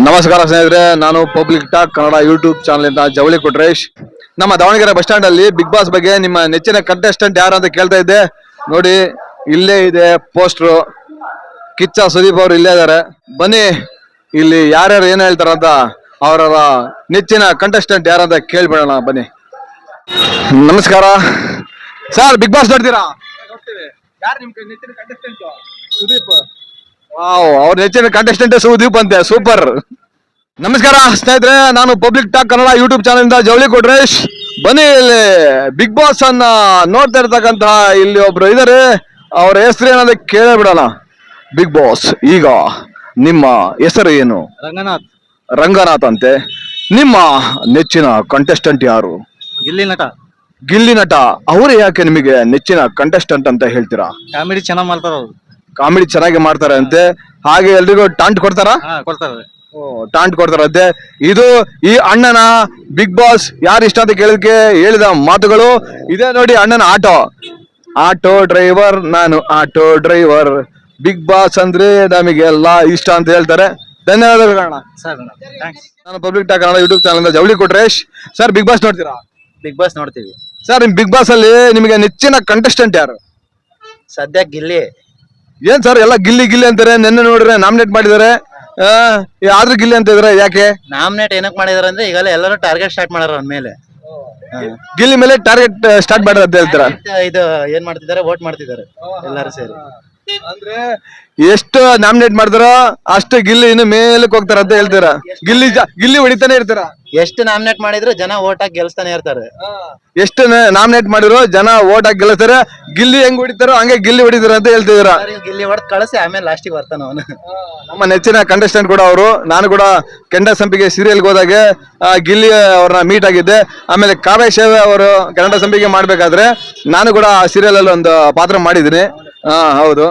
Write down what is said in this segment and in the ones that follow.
ನಮಸ್ಕಾರ ಸ್ನೇಹಿತರೆ, ನಾನು public talk Kannada YouTube channel ಇಂದ ಜವಳಿ ಕೊಟ್ರೇಶ್. ನಮ್ಮ ದಾವಣಗೆರೆ ಬಸ್ ಸ್ಟ್ಯಾಂಡ್ ಅಲ್ಲಿ ಬಿಗ್ ಬಾಸ್ ಬಗ್ಗೆ ನಿಮ್ಮ ನೆಚ್ಚಿನ ಕಂಟೆಸ್ಟೆಂಟ್ ಯಾರು ಅಂತ ಕೇಳ್ತಾ ಇದ್ದೆ. ನೋಡಿ, ಇಲ್ಲೇ ಇದೆ ಪೋಸ್ಟ್ರು. ಕಿಚ್ಚ ಸುದೀಪ್ ಅವರು ಇಲ್ಲೇ ಇದ್ದಾರೆ. ಬನ್ನಿ, ಇಲ್ಲಿ ಯಾರ್ಯಾರು ಏನ್ ಹೇಳ್ತಾರಂತ ಅವರ ನೆಚ್ಚಿನ ಕಂಟೆಸ್ಟೆಂಟ್ ಯಾರಂತ ಕೇಳ್ಬಿಡೋಣ. ಬನ್ನಿ. ನಮಸ್ಕಾರ ಸರ್, ಬಿಗ್ ಬಾಸ್ ನೋಡ್ತೀರಾ? ಯಾರು ನಿಮ್ ನೆಚ್ಚಿನ ಕಂಟೆಸ್ಟೆಂಟ್? ಸುದೀಪ್. ವಾವ್, ಅವ್ರ ನೆಚ್ಚಿನ ಕಂಟೆಸ್ಟೆಂಟ್ ಸುದೀಪ್ ಅಂತೆ. ಸೂಪರ್. ನಮಸ್ಕಾರ ಸ್ನೇಹಿತರೆ, ನಾನು public talk Kannada YouTube channel ಇಂದ ಜವಳಿ ಕೊಟ್ರೇಶ್. ಬನ್ನಿ, ಇಲ್ಲಿ ಬಿಗ್ ಬಾಸ್ ಅನ್ನ ನೋಡ್ತಾ ಇರ್ತಕ್ಕಂತಹ ಇಲ್ಲಿ ಒಬ್ರು ಇದಾರೆ. ಅವ್ರ ಹೆಸರು ಏನಂತ ಕೇಳೇ ಬಿಡೋಣ. ಬಿಗ್ ಬಾಸ್, ಈಗ ನಿಮ್ಮ ಹೆಸರು ಏನು? ರಂಗನಾಥ್. ರಂಗನಾಥ್ ಅಂತೆ. ನಿಮ್ಮ ನೆಚ್ಚಿನ ಕಂಟೆಸ್ಟೆಂಟ್ ಯಾರು? ಗಿಲ್ಲಿ ನಟ. ಗಿಲ್ಲಿ ನಟ. ಅವರು ಯಾಕೆ ನಿಮಗೆ ನೆಚ್ಚಿನ ಕಂಟೆಸ್ಟೆಂಟ್ ಅಂತ ಹೇಳ್ತೀರಾ? ಕಾಮಿಡಿ ಚೆನ್ನಾಗ್ ಮಾಡ್ತಾರ ಅವ್ರು. ಕಾಮಿಡಿ ಚೆನ್ನಾಗಿ ಮಾಡ್ತಾರೆ ಅಂತೆ. ಹಾಗೆ ಎಲ್ರಿಗೂ ಟಾಂಟ್ ಕೊಡ್ತಾರಾ? ಕೊಡ್ತಾರೆ. ಟಾಂಟ್ ಕೊಡ್ತಾರಂತೆ. ಇದು ಈ ಅಣ್ಣನ ಬಿಗ್ ಬಾಸ್ ಯಾರು ಇಷ್ಟ ಅಂತ ಕೇಳೋದಕ್ಕೆ ಹೇಳಿದ ಮಾತುಗಳು ಇದೆ. ನೋಡಿ, ಅಣ್ಣನ ಆಟೋ ಡ್ರೈವರ್, ನಾನು ಆಟೋ ಡ್ರೈವರ್. ಬಿಗ್ ಬಾಸ್ ಅಂದ್ರೆ ನಮಗೆಲ್ಲ ಇಷ್ಟ ಅಂತ ಹೇಳ್ತಾರೆ. ಧನ್ಯವಾದಗಳು ಅಣ್ಣ. ನಾನು public talk Kannada YouTube channel ಇಂದ Javali Kotresh. Sir, Bigg Boss ನೋಡ್ತೀರಾ? ಬಿಗ್ ಬಾಸ್ ನೋಡ್ತೀವಿ ಸರ್. ನಿಮ್ ಬಿಗ್ ಬಾಸ್ ಅಲ್ಲಿ ನಿಮಗೆ ನೆಚ್ಚಿನ ಕಂಟೆಸ್ಟೆಂಟ್ ಯಾರು? ಸದ್ಯ ಗಿಲ್ಲಿ. ಏನ್ ಸರ್ ಎಲ್ಲ ಗಿಲ್ಲಿ ಗಿಲ್ಲಿ ಅಂತಾರೆ? ನೆನ್ನೆ ನೋಡ್ರೆ ನಾಮಿನೇಟ್ ಮಾಡಿದಾರೆ, ಆದ್ರೂ ಗಿಲ್ಲಿ ಅಂತ ಇದಾರೆ. ಯಾಕೆ ನಾಮಿನೇಟ್ ಏನಕ್ ಮಾಡಿದಾರೆ ಅಂದ್ರೆ ಈಗಲೇ ಎಲ್ಲರೂ ಟಾರ್ಗೆಟ್ ಸ್ಟಾರ್ಟ್ ಮಾಡಾರ ಅವನ ಮೇಲೆ. ಗಿಲ್ಲಿ ಮೇಲೆ ಟಾರ್ಗೆಟ್ ಸ್ಟಾರ್ಟ್ ಮಾಡೋದು ಅಂತ ಹೇಳ್ತೀರಾ? ಇದು ಏನ್ ಮಾಡ್ತಿದ್ದಾರೆ, ವೋಟ್ ಮಾಡ್ತಿದ್ದಾರೆ ಎಲ್ಲರೂ ಸೇರಿ. ಅಂದ್ರೆ ಎಷ್ಟು ನಾಮಿನೇಟ್ ಮಾಡಿದಾರೋ ಅಷ್ಟು ಗಿಲ್ಲಿ ಇನ್ನು ಮೇಲಕ್ಕೆ ಹೋಗ್ತಾರ ಅಂತ ಹೇಳ್ತೀರಾ? ಗಿಲ್ಲಿ ಹೊಡಿತಾನೆ ಇರ್ತಾರ. ಎಷ್ಟು ನಾಮಿನೇಟ್ ಮಾಡಿದ್ರು ಜನ ವೋಟ್ ಹಾಕಿ ಗೆಲ್ಸ್ತಾನೆ ಇರ್ತಾರೆ. ಎಷ್ಟು ನಾಮಿನೇಟ್ ಮಾಡಿರೋ ಜನ ವೋಟ್ ಹಾಕಿ ಗೆಲ್ಲಿಸ್ತಾರೆ. ಗಿಲ್ಲಿ ಹೆಂಗ್ ಹೊಡಿತಾರೋ ಹಂಗೆ ಗಿಲ್ಲಿ ಹೊಡಿತಾರ ಅಂತ ಹೇಳ್ತಿದ್ದೀರಾ? ಗಿಲ್ಲಿ ಹೊಡೆದ್ ಕಳಿಸಿ ಆಮೇಲೆ ಲಾಸ್ಟಿಗೆ ಬರ್ತಾನ ಅವನು. ನಮ್ಮ ನೆಚ್ಚಿನ ಕಂಟೆಸ್ಟೆಂಟ್ ಕೂಡ ಅವರು. ನಾನು ಕೂಡ ಕೆಂಡ ಸಂಪಿಗೆ ಸೀರಿಯಲ್ಗೆ ಹೋದಾಗ ಗಿಲ್ಲಿ ಅವ್ರನ್ನ ಮೀಟ್ ಆಗಿದ್ದೆ. ಆಮೇಲೆ ಕಾವ್ಯ ಸೇವೆ ಅವರು ಕೆಂಡ ಸಂಪಿಗೆ ಮಾಡ್ಬೇಕಾದ್ರೆ ನಾನು ಕೂಡ ಆ ಸೀರಿಯಲ್ ಅಲ್ಲಿ ಒಂದು ಪಾತ್ರ ಮಾಡಿದ್ದೀನಿ. ಹೌದು.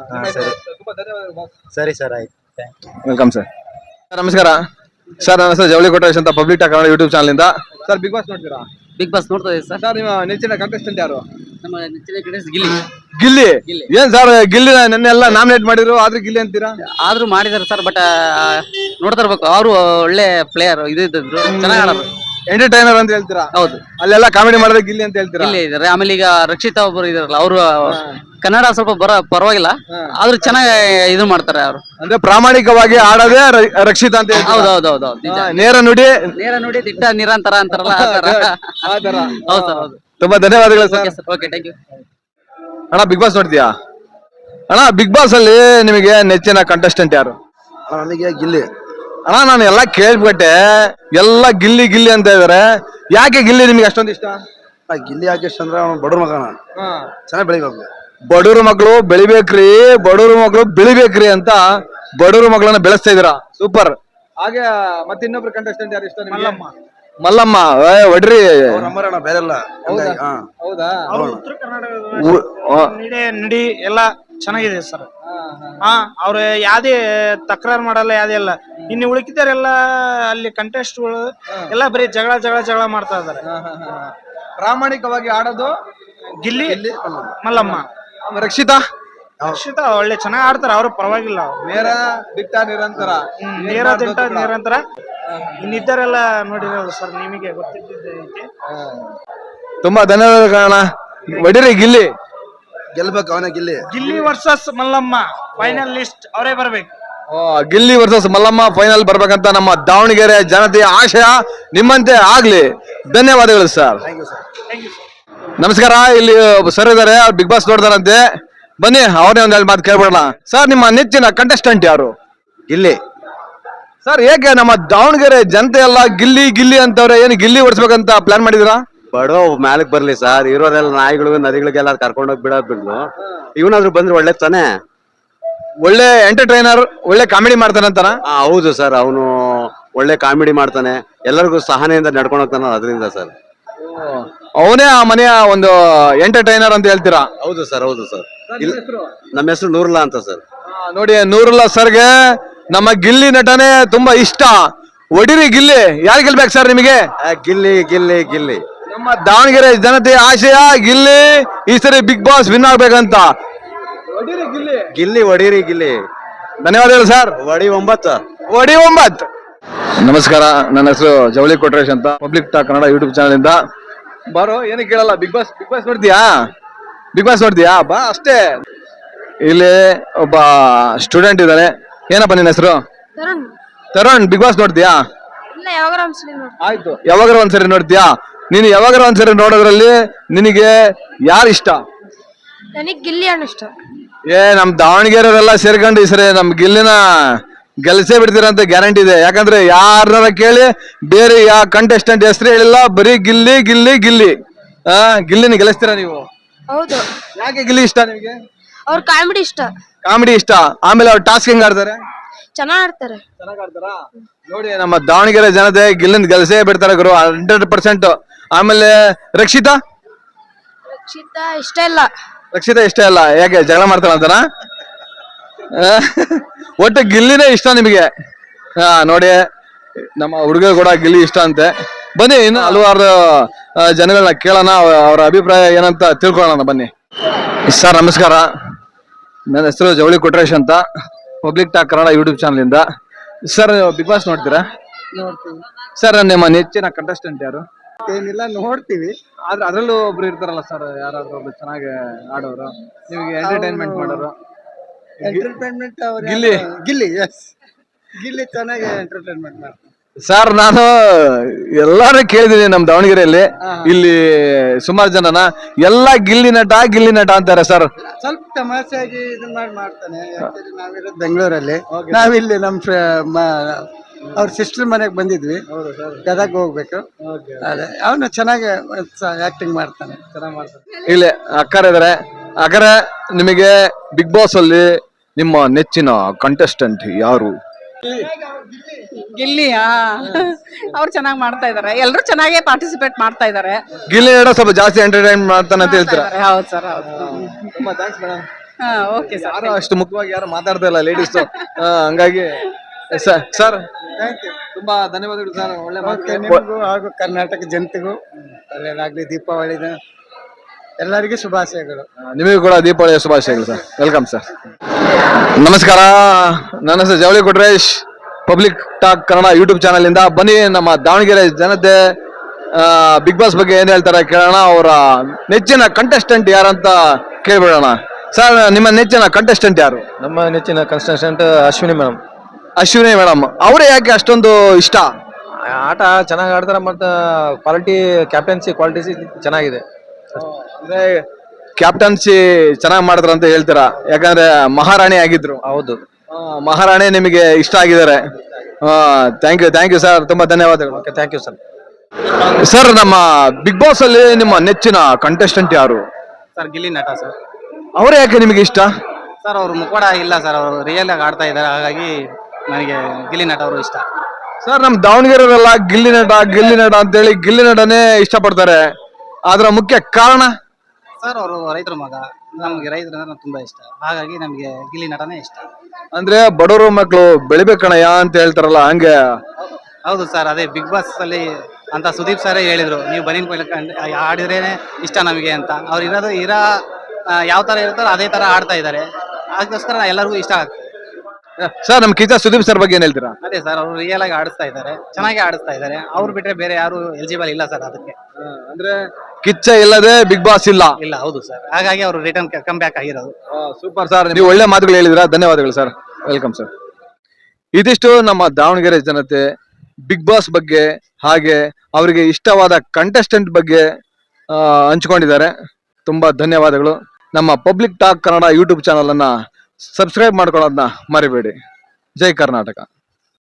ಸರಿ ಸರ್, ಆಯ್ತು. Welcome sir. ನಮಸ್ಕಾರ ಸರ್, ನನ್ನ ಹೆಸರು ಜವಳಿ ಕೊಟ್ರೇಶ್ ಅಂತ, public talk Kannada YouTube channel ಇಂದ. ಸರ್, ಬಿಗ್ ಬಾಸ್ ನೋಡ್ತೀರಾ? ಬಿಗ್ ಬಾಸ್ ನೋಡ್ತಾ ಇದ್ದೀವಿ ಸರ್. ಸರ್, ನಿಮ್ಮ ನೆಚ್ಚಿನ ಕಂಟೆಸ್ಟೆಂಟ್ ಯಾರು? ನಮ್ಮ ನೆಚ್ಚಿನ ಕಂಟೆಸ್ಟೆಂಟ್ ಗಿಲ್ಲಿ. ಗಿಲ್ಲಿ. ಏನ್ ಸರ್, ಗಿಲ್ಲಿ ನೆನ್ನೆಲ್ಲ ನಾಮಿನೇಟ್ ಮಾಡಿದ್ರು, ಆದ್ರೆ ಗಿಲ್ಲಿ ಅಂತೀರಾ? ಆದ್ರೂ ಮಾಡಿದಾರೆ ಸರ್, ಬಟ್ ನೋಡ್ತಾ ಇರ್ಬೇಕು. ಅವರು ಒಳ್ಳೆ ಪ್ಲೇಯರ್, ಇದ್ರು ಚೆನ್ನಾಗಿ ಆಡೋರು, ಎಂಟರ್ಟೈನರ್ ಅಂತ ಹೇಳ್ತೀರಾ? ಹೌದು. ಅಲ್ಲೆಲ್ಲ ಕಾಮಿಡಿ ಮಾಡಿದ್ರೆ ಗಿಲ್ಲಿ ಅಂತ ಹೇಳ್ತೀರಾ? ಗಿಲ್ಲಿ ಇದಾರೆ. ಆಮೇಲೆ ಈಗ ರಕ್ಷಿತಾ ಒಬ್ಬರು ಇದಾರಲ್ಲ, ಅವರು ಕನ್ನಡ ಸ್ವಲ್ಪ ಪರವಾಗಿಲ್ಲ, ಆದ್ರೂ ಚೆನ್ನಾಗಿ ಇದು ಮಾಡ್ತಾರೆ ಅವರು. ಅಂದ್ರೆ ಪ್ರಾಮಾಣಿಕವಾಗಿ ಆಡೋದೇ ರಕ್ಷಿತಾ ಅಂತ. ಹೌದೌದೌದು. ನೇರ ನುಡಿ ದಿಟ್ಟ ನಿರಂತರ ಅಂತಾರಲ್ಲ, ಆ ತರ. ಹೌದು ಸರ್, ಹೌದು. ತುಂಬಾ ಧನ್ಯವಾದಗಳು ಸರ್. Okay, thank you. ಅಣ್ಣ, ಬಿಗ್ ಬಾಸ್ ನೋಡ್ತೀಯಾ? ಅಣ್ಣ, ಬಿಗ್ ಬಾಸ್ ಅಲ್ಲಿ ನಿಮಗೆ ನೆಚ್ಚಿನ ಕಂಟೆಸ್ಟೆಂಟ್ ಯಾರು? ನನಗೆ ಗಿಲ್ಲಿ. ಅಣ್ಣ, ನಾನು ಎಲ್ಲ ಕೇಳ್ಬಿಟ್ಟೆ, ಎಲ್ಲ ಗಿಲ್ಲಿ ಗಿಲ್ಲಿ ಅಂತ ಇದಾರೆ. ಯಾಕೆ ಗಿಲ್ಲಿ ನಿಮ್ಗೆ ಅಷ್ಟೊಂದು ಇಷ್ಟ? ಗಿಲ್ಲಿ ಯಾಕೆ ಇಷ್ಟ ಅಂದ್ರೆ ಬಡವ್ರ ಮಗನ, ಚೆನ್ನಾಗಿ ಬೆಳಿಬೇಕು. ಬಡವ್ರ ಮಕ್ಕಳು ಬೆಳಿಬೇಕ್ರಿ, ಬಡವ್ರ ಮಕ್ಕಳು ಬೆಳಿಬೇಕ್ರಿ ಅಂತ ಬಡವ್ರ ಮಕ್ಕಳನ್ನ ಬೆಳೆಸ್ತಾ ಇದೀರಾ. ಸೂಪರ್. ಹಾಗೆ ಮತ್ತೆ ಇನ್ನೊಬ್ರು ಕಂಟೆಸ್ಟೆಂಟ್ ಯಾರು ಇಷ್ಟ ನಿಮ್ಗೆ? ಮಲ್ಲಮ್ಮ. ಒಡ್ರಿ ಬೇರೆಲ್ಲ. ಹೌದಾ? ಉತ್ತರ ಕರ್ನಾಟಕದ ನಡಿ ಎಲ್ಲ ಚೆನ್ನಾಗಿದೆ ಸರ್. ಅವ್ರು ಯಾವ್ದೇ ತಕರಾರು ಮಾಡಲ್ಲ, ಯಾವ್ದೇ ಇಲ್ಲ. ಇನ್ನು ಉಳಿಕಿದಾರೆಲ್ಲ ಅಲ್ಲಿ ಕಂಟೆಸ್ಟ್ಗಳು ಎಲ್ಲ ಬರೀ ಜಗಳ ಮಾಡ್ತಾ ಇದಾರೆ. ಪ್ರಾಮಾಣಿಕವಾಗಿ ಆಡೋದು ಗಿಲ್ಲಿ, ಮಲ್ಲಮ್ಮ. ರಕ್ಷಿತಾ ಒಳ್ಳೆ ಚೆನ್ನಾಗಿ ಆಡ್ತಾರ, ಅವ್ರು ಪರವಾಗಿಲ್ಲ. ನೇರ ದಿಟ್ಟ ನಿರಂತರ. ನಿರಂತರ. ಇನ್ನಿದ್ದರೆಲ್ಲ ನೋಡಿರೋದು ಸರ್, ನಿಮಗೆ ಗೊತ್ತಿದ್ದೈತಿ. ತುಂಬಾ ಧನ್ಯವಾದಗಳು. ಒಡಿರಿ ಗಿಲ್ಲಿ ಗೆಲ್ಬೇಕು, ಅವನೇ Gilli. Gilli versus Mallamma final list ಅವರೇ ಬರ್ಬೇಕು. ಗಿಲ್ಲಿ ವರ್ಸಸ್ ಮಲ್ಲಮ್ಮ ಫೈನಲ್ ಬರ್ಬೇಕಂತ ನಮ್ಮ ದಾವಣಗೆರೆ ಜನತೆಯ ಆಶಯ. ನಿಮ್ಮಂತೆ ಆಗ್ಲಿ. ಧನ್ಯವಾದಗಳು ಸರ್. ನಮಸ್ಕಾರ. ಇಲ್ಲಿ ಸರ್ ಇದಾರೆ, ಅವ್ರು ಬಿಗ್ ಬಾಸ್ ನೋಡ್ತಾರಂತೆ. ಬನ್ನಿ, ಅವರೇ ಒಂದ್ ಮಾತು ಕೇಳ್ಬಿಡೋಣ. ಸರ್, ನಿಮ್ಮ ನೆಚ್ಚಿನ ಕಂಟೆಸ್ಟೆಂಟ್ ಯಾರು? ಗಿಲ್ಲಿ. ಸರ್, ಏಕೆ ನಮ್ಮ ದಾವಣಗೆರೆ ಜನತೆ ಎಲ್ಲ ಗಿಲ್ಲಿ ಗಿಲ್ಲಿ ಅಂತವ್ರೆ? ಏನು ಗಿಲ್ಲಿ ಓಡಿಸ್ಬೇಕಂತ ಪ್ಲಾನ್ ಮಾಡಿದಿರಾ? ಬಡವ ಮ್ಯಾಲಕ್ ಬರ್ಲಿ ಸರ್, ಇರೋದೆಲ್ಲ ನಾಯಿಗಳು ನದಿಗಳಿಗೆಲ್ಲ ಕರ್ಕೊಂಡೋಗಿ ಬಿಡೋದ್ ಬಿಡ್ಲು. ಇವನಾದ್ರು ಬಂದ್ರೆ ಒಳ್ಳೆ ತಾನೆ. ಒಳ್ಳೆ ಎಂಟರ್ಟೈನರ್, ಒಳ್ಳೆ ಕಾಮಿಡಿ ಮಾಡ್ತಾನಂತಾನ? ಹೌದು ಸರ್, ಅವನು ಒಳ್ಳೆ ಕಾಮಿಡಿ ಮಾಡ್ತಾನೆ, ಎಲ್ಲರಿಗೂ ಸಹನೆಯಿಂದ ನಡ್ಕೊಂಡು ಹೋಗ್ತಾನ. ಅದರಿಂದ ಸರ್, ಅವನೇ ಆ ಮನೆಯ ಒಂದು ಎಂಟರ್ಟೈನರ್ ಅಂತ ಹೇಳ್ತೀರಾ? ಹೌದು ಸರ್, ಹೌದು ಸರ್. ನಮ್ಮ ಹೆಸರು ನೂರುಲ್ಲಾ ಅಂತ ಸರ್. ನೋಡಿ, ನೂರುಲ್ಲಾ ಸರ್ಗೆ ನಮ್ಮ ಗಿಲ್ಲಿ ನಟನೆ ತುಂಬಾ ಇಷ್ಟ. ಒಡಿರಿ ಗಿಲ್ಲಿ. ಯಾರು ಗೆಲ್ಬೇಕು ಸರ್ ನಿಮಗೆ? ಗಿಲ್ಲಿ ಗಿಲ್ಲಿ ಗಿಲ್ಲಿ. ನಮ್ಮ ದಾವಣಗೆರೆ ಜನತೆಯ ಆಶಯ ಗಿಲ್ಲಿ ಈ ಸರಿ ಬಿಗ್ ಬಾಸ್ ವಿನ್ ಆಗ್ಬೇಕಂತ. ಗಿಲ್ಲಿ ಹೊಡೀರಿ ಗಿಲ್ಲಿ. ಧನ್ಯವಾದಗಳು ಸರ್. ಒಡಿ 9. ಒಡಿ 9. ನಮಸ್ಕಾರ, ನನ್ನ ಹೆಸರು ಜವಳಿ ಕೊಟ್ರೇಶ್ ಅಂತ, public talk Kannada YouTube channel ಇಂದ. ಬಾರೋ, ಏನು ಕೇಳಲ್ಲ. ಬಿಗ್ ಬಾಸ್ ನೋಡ್ತೀಯಾ? ಬಾ ಅಷ್ಟೇ. ಇಲ್ಲಿ ಒಬ್ಬ ಸ್ಟೂಡೆಂಟ್ ಇದ್ದಾನೆ. ಏನಪ್ಪ ನಿನ್ನ ಹೆಸರು? ತರುಣ್. ಬಿಗ್ ಬಾಸ್ ನೋಡ್ತೀಯಾ? ಆಯ್ತು, ಯಾವಾಗಾರ ಒಂದ್ಸರಿ ನೋಡ್ತೀಯಾ? ನೀನು ಯಾವಾಗಾರ ಒಂದ್ಸರಿ ನೋಡೋದ್ರಲ್ಲಿ ನಿನಗೆ ಯಾರು ಇಷ್ಟ? ನನಗೆ ಗಿಲ್ಲಿ ಅಣ್ಣ ಇಷ್ಟ. ನಮ್ ದಾವಣಗೆರೆಯವರೆಲ್ಲ ಸೇರ್ಕೊಂಡು ಈ ಸರಿ ನಮ್ ಗಿಲ್ಲಿನ ಗೆಲ್ಸೇ ಬಿಡ್ತೀರಂತ ಗ್ಯಾರಂಟಿ ಇದೆ. ಯಾಕಂದ್ರೆ ಯಾರನ್ನಾರ ಕೇಳಿ ಬೇರೆ ಯಾವ ಕಂಟೆಸ್ಟೆಂಟ್ ಹೆಸರು ಹೇಳಿಲ್ಲ, ಬರೀ ಗಿಲ್ಲಿ ಗಿಲ್ಲಿ ಗಿಲ್ಲಿ. ಗಿಲ್ಲಿನ ಗೆಲ್ಲಿಸ್ತೀರಾ ನೀವು? ಹೌದು. ಯಾಕೆ ಗಿಲ್ಲಿ ಇಷ್ಟ ನಿಮಗೆ? ಅವ್ರ ಕಾಮಿಡಿ ಇಷ್ಟ. ಕಾಮಿಡಿ ಇಷ್ಟ. ಆಮೇಲೆ ಅವ್ರು ಟಾಸ್ಕ್ ಹೆಂಗ್ ಆಡ್ತಾರೆ? ಚೆನ್ನಾಗ್ ಆಡ್ತಾರೆ. ನೋಡಿ, ನಮ್ಮ ದಾವಣಗೆರೆ ಜನತೆ ಗಿಲ್ಲಿನ ಗೆಲ್ಸೇ ಬಿಡ್ತಾರೆ ಗುರು, 100%. ಆಮೇಲೆ ರಕ್ಷಿತಾ ಇಷ್ಟ ಇಲ್ಲ. ಇಷ್ಟ ಇಲ್ಲ. ಯಾಕೆ ಜಗಳ ಮಾಡ್ತಾಳ ಅಂತನಾ? ಒಟ್ಟು ಗಿಲ್ಲಿನೇ ಇಷ್ಟ ನಿಮಗೆ? ನೋಡಿ, ನಮ್ಮ ಹುಡುಗ ಕೂಡ ಗಿಲ್ಲಿ ಇಷ್ಟ ಅಂತೆ. ಬನ್ನಿ, ಇನ್ನು ಹಲವಾರು ಜನಗಳನ್ನ ಕೇಳೋಣ, ಅವರ ಅಭಿಪ್ರಾಯ ಏನಂತ ತಿಳ್ಕೊಳ್ಳೋಣ. ಬನ್ನಿ ಸರ್, ನಮಸ್ಕಾರ. ನನ್ನ ಹೆಸರು ಜವಳಿ ಕೊಟ್ರೇಶ್ ಅಂತ, public talk Kannada YouTube channel ಇಂದ. ಸರ್, ಬಿಗ್ ಬಾಸ್ ನೋಡ್ತೀರಾ? ಸರ್, ನಿಮ್ಮ ನೆಚ್ಚಿನ ಕಂಟೆಸ್ಟೆಂಟ್ ಯಾರು? ಏನಿಲ್ಲ, ನೋಡ್ತೀವಿ. ಆದ್ರೆ ಅದ್ರಲ್ಲೂ ಒಬ್ರು ಇರ್ತಾರಲ್ಲ ಸರ್, ಯಾರಾದ್ರೂ ಒಬ್ರು ಚೆನ್ನಾಗಿ ಆಡೋರು, ನಿಮಗೆ ಎಂಟರ್ಟೈನ್ಮೆಂಟ್ ಮಾಡೋರು? ಎಂಟರ್ಟೈನ್ಮೆಂಟ್ ಗಿಲ್ಲಿ ಗಿಲ್ಲಿ ಚೆನ್ನಾಗಿ ಎಂಟರ್ಟೈನ್ಮೆಂಟ್ ಮಾಡ್ತಾರೆ ಸರ್. ನಾನು ಎಲ್ಲಾರು ಕೇಳಿದೀನಿ ನಮ್ ದಾವಣಗೆರೆಯಲ್ಲಿ, ಇಲ್ಲಿ ಸುಮಾರು ಜನನ ಎಲ್ಲ ಗಿಲ್ಲಿ ನಟ ಅಂತಾರೆ ಸರ್. ಸ್ವಲ್ಪ ತಮಾಷೆಯಾಗಿ ಇದನ್ನ ಮಾಡ್ತಾನೆ. Actually ನಾವಿರೋದು ಬೆಂಗಳೂರಲ್ಲಿ, ನಾವಿಲ್ಲಿ ನಮ್ಮ ಅವ್ರ ಸಿಸ್ಟರ್ ಮನೆಗೆ ಬಂದಿದ್ವಿ, ಗದಗ ಹೋಗ್ಬೇಕು. ಅದೇ ಅವನು ಚೆನ್ನಾಗಿ ಆಕ್ಟಿಂಗ್ ಮಾಡ್ತಾನೆ, ಚೆನ್ನಾಗಿ ಮಾಡ್ತಾನೆ. ಇಲ್ಲಿ ಅಕ್ಕರ ಇದಾರೆ. ಅಕ್ಕರ, ನಿಮಗೆ ಬಿಗ್ ಬಾಸ್ ಅಲ್ಲಿ ನಿಮ್ಮ ನೆಚ್ಚಿನ ಕಂಟೆಸ್ಟೆಂಟ್ ಯಾರು? ಗಿಲ್ಲಿ. ಅವ್ರು ಚೆನ್ನಾಗಿ ಮಾಡ್ತಾ ಇದಾರೆ, ಎಲ್ಲರೂ ಚೆನ್ನಾಗೇ ಪಾರ್ಟಿಸಿಪೇಟ್ ಮಾಡ್ತಾ ಇದಾರೆ. ಗಿಲ್ಲಿ ನಟ ಸ್ವಲ್ಪ ಜಾಸ್ತಿ ಎಂಟರ್ಟೈನ್ ಮಾಡ್ತಾನೆ ಅಂತ ಹೇಳ್ತೀರಾ? ಹೌದು ಸರ್, ಹೌದು. ತುಂಬಾ ಥ್ಯಾಂಕ್ಸ್ ಮೇಡಮ್. Okay sir. ಯಾರು ಅಷ್ಟು ಮುಖ್ಯವಾಗಿ ಯಾರು ಮಾತಾಡ್ತಾ ಇಲ್ಲ ಲೇಡೀಸ್, ಹಂಗಾಗಿ ಸರ್ ತುಂಬಾ ಧನ್ಯವಾದಗಳು ಸರ್. ಒಳ್ಳೆ ನಿಮಗೂ ಹಾಗೂ ಕರ್ನಾಟಕ ಜನತೆಗೂ ಒಳ್ಳೆಯದಾಗ್ಲಿ. ದೀಪಾವಳಿದ ಎಲ್ಲರಿಗೂ ಶುಭಾಶಯಗಳು. ನಿಮಗೂ ಕೂಡ ದೀಪಾವಳಿಯ ಶುಭಾಶಯಗಳು ಸರ್. Welcome sir. ನಮಸ್ಕಾರ, ನನ್ನ ಹೆಸರು Javali Kotresh, public talk Kannada YouTube channel ಇಂದ. ಬನ್ನಿ, ನಮ್ಮ ದಾವಣಗೆರೆ ಜನತೆ ಬಿಗ್ ಬಾಸ್ ಬಗ್ಗೆ ಏನ್ ಹೇಳ್ತಾರೆ ಕೇಳೋಣ. ಅವರ ನೆಚ್ಚಿನ ಕಂಟೆಸ್ಟೆಂಟ್ ಯಾರಂತ ಕೇಳ್ಬಿಡೋಣ. ಸರ್, ನಿಮ್ಮ ನೆಚ್ಚಿನ ಕಂಟೆಸ್ಟೆಂಟ್ ಯಾರು? ನಮ್ಮ ನೆಚ್ಚಿನ contestant Ashwini madam. Ashwini madam. ಅವರೇ ಯಾಕೆ ಅಷ್ಟೊಂದು ಇಷ್ಟ? ಆಟ ಚೆನ್ನಾಗಿ ಆಡ್ತಾರೆ, ಮತ್ತೆ ಕ್ವಾಲಿಟಿ, ಕ್ಯಾಪ್ಟನ್ಸಿ ಕ್ವಾಲಿಟೀಸ್ ಚೆನ್ನಾಗಿದೆ. ಅಂದ್ರೆ ಕ್ಯಾಪ್ಟನ್ಸಿ ಚೆನ್ನಾಗಿ ಮಾಡಿದ್ರ ಅಂತ ಹೇಳ್ತೀರಾ? ಯಾಕಂದ್ರೆ ಮಹಾರಾಣಿ ಆಗಿದ್ರು. ಹೌದು, ಮಹಾರಾಣಿ ನಿಮಗೆ ಇಷ್ಟ ಆಗಿದ್ದಾರೆ. ಥ್ಯಾಂಕ್ ಯು ಸರ್, ತುಂಬಾ ಧನ್ಯವಾದಗಳು. Okay, thank you sir. Sir, ನಮ್ಮ ಬಿಗ್ ಬಾಸ್ ಅಲ್ಲಿ ನಿಮ್ಮ ನೆಚ್ಚಿನ ಕಂಟೆಸ್ಟೆಂಟ್ ಯಾರು? ಸರ್, ಗಿಲ್ಲಿ ನಟ ಸರ್. ಅವರೇ ಯಾಕೆ ನಿಮಗೆ ಇಷ್ಟ? ಸರ್, ಅವ್ರು ಮುಖವಾಡ ಇಲ್ಲ ಸರ್, ಅವರು ರಿಯಲ್ ಆಗಿ ಆಡ್ತಾ ಇದ್ದಾರೆ, ಹಾಗಾಗಿ ನನಗೆ ಗಿಲ್ಲಿ ನಟ ಅವರು ಇಷ್ಟ. ಸರ್, ನಮ್ ದಾವಣಗೆರೆಯವರೆಲ್ಲ ಗಿಲ್ಲಿ ನಟ ಅಂತೇಳಿ ಗಿಲ್ಲಿ ನಟನೇ ಇಷ್ಟಪಡ್ತಾರೆ. ಅದರ ಮುಖ್ಯ ಕಾರಣ? ಸರ್, ಅವರು ರೈತರ ಮಗ, ನಮ್ಗೆ ರೈತರ ತುಂಬಾ ಇಷ್ಟ, ಹಾಗಾಗಿ ನಮ್ಗೆ ಗಿಲ್ಲಿ ನಟನೇ ಇಷ್ಟ. ಅಂದ್ರೆ ಬಡವರು ಮಕ್ಕಳು ಬೆಳಿಬೇಕಣಯ್ಯ ಅಂತ ಹೇಳ್ತಾರಲ್ಲ, ಹಂಗೆ? ಹೌದು ಸರ್, ಅದೇ ಬಿಗ್ ಬಾಸ್ ಅಲ್ಲಿ ಅಂತ ಸುದೀಪ್ ಸರೇ ಹೇಳಿದ್ರು, ನೀವು ಬನ್ನಿ ಆಡಿದ್ರೇನೆ ಇಷ್ಟ ನಮಗೆ ಅಂತ. ಅವ್ರು ಯಾವ ತರ ಇರ್ತಾರೋ ಅದೇ ತರ ಆಡ್ತಾ ಇದ್ದಾರೆ, ಅದಕ್ಕೋಸ್ಕರ ಎಲ್ಲರಿಗೂ ಇಷ್ಟ ಆಗ್ತದೆ. ಸರ್, ನಮ್ ಕಿಚ್ಚ ಸುದೀಪ್ ಸರ್ ಬಗ್ಗೆ ಏನ್ ಹೇಳ್ತೀರಾ? ಅದೇ ಸರ್, ಅವರು ರಿಯಲ್ ಆಗಿ ಆಡಿಸ್ತಾ ಇದ್ದಾರೆ, ಚೆನ್ನಾಗಿ ಆಡಿಸ್ತಾ ಇದ್ದಾರೆ. ಅವ್ರು ಬಿಟ್ರೆ ಬೇರೆ ಯಾರು ಎಲಿಜಿಬಲ್ ಇಲ್ಲ ಸರ್ ಅದಕ್ಕೆ. ಅಂದ್ರೆ ಕಿಚ್ಚ ಇಲ್ಲದೆ ಬಿಗ್ ಬಾಸ್ ಇಲ್ಲ. ಹೌದು ಸರ್, ಹಾಗಾಗಿ ಅವರು ರಿಟರ್ನ್ ಕಮ್ ಬ್ಯಾಕ್ ಆಗಿರೋದು. ಸೂಪರ್ ಸರ್, ನೀವು ಒಳ್ಳೆ ಮಾತುಗಳು ಹೇಳಿದಿರಾ, ಧನ್ಯವಾದಗಳು ಸರ್. Welcome sir. ಇದಿಷ್ಟು ನಮ್ಮ ದಾವಣಗೆರೆ ಜನತೆ ಬಿಗ್ ಬಾಸ್ ಬಗ್ಗೆ, ಹಾಗೆ ಅವರಿಗೆ ಇಷ್ಟವಾದ ಕಂಟೆಸ್ಟೆಂಟ್ ಬಗ್ಗೆ ಹಂಚ್ಕೊಂಡಿದ್ದಾರೆ. ತುಂಬಾ ಧನ್ಯವಾದಗಳು. ನಮ್ಮ public talk Kannada YouTube channel ಅನ್ನ ಸಬ್ಸ್ಕ್ರೈಬ್ ಮಾಡ್ಕೊಳ್ಳೋದನ್ನ ಮರಿಬೇಡಿ. ಜೈ ಕರ್ನಾಟಕ.